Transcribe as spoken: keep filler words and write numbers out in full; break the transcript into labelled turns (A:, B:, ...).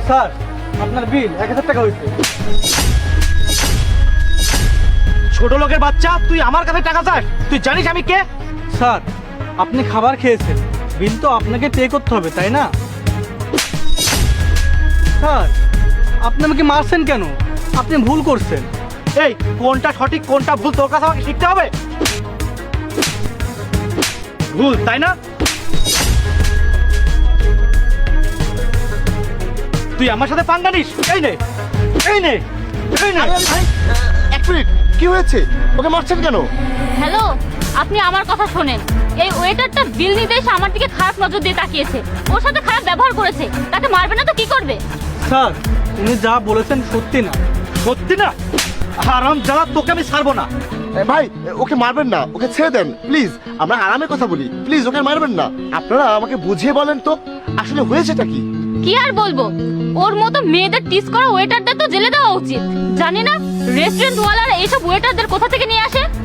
A: Sir আপনার বিল এক হাজার টাকা হয়েছে।
B: ছোট লোকের বাচ্চা, তুই আমার কাছে টাকা চাস? তুই জানিস আমি কে?
A: স্যার আপনি খাবার খেয়েছেন, বিল তো আপনাকে পে করতে হবে তাই না? স্যার আপনি আমাকে মারছেন কেন? আপনি ভুল করছেন।
B: এই কোনটা সঠিক কোনটা ভুল তোর কাছে আমাকে শিখতে হবে? ভুল তাই না? তুই আমার সাথে পাঙ্গা নিস? এই নে এই নে এই নে।
C: আরে আরে ভাই, এক মিনিট, কি হয়েছে? ওকে মারছেন কেন?
D: হ্যালো, আপনি আমার কথা শোনেন। এই ওয়েটারটা বিল নিতে এসে আমার দিকে খারাপ নজর দিয়ে তাকিয়েছে, ওর সাথে খারাপ ব্যবহার করেছে। তাকে মারবে না তো কি করবে?
A: স্যার উনি যা বলেছেন সত্যি না।
B: সত্যি না? হারাম জ্বালা, তোকে আমি ছাড়বো না।
C: এ, ভাই ওকে মারবেন না, ওকে ছেড়ে দেন প্লিজ, আমরা আরামে কথা বলি, প্লিজ ওকে মারবেন না। আপনারা আমাকে বুঝিয়ে বলেন তো আসলে হয়েছেটা কি?
D: কি আর বলবো, ওর মতো মেয়েদের টিস করা ওয়েটারদের তো জেলে দেওয়া উচিত। জানি না রেস্টুরেন্ট ওয়ালারা এইসব ওয়েটারদের কোথা থেকে নিয়ে আসে।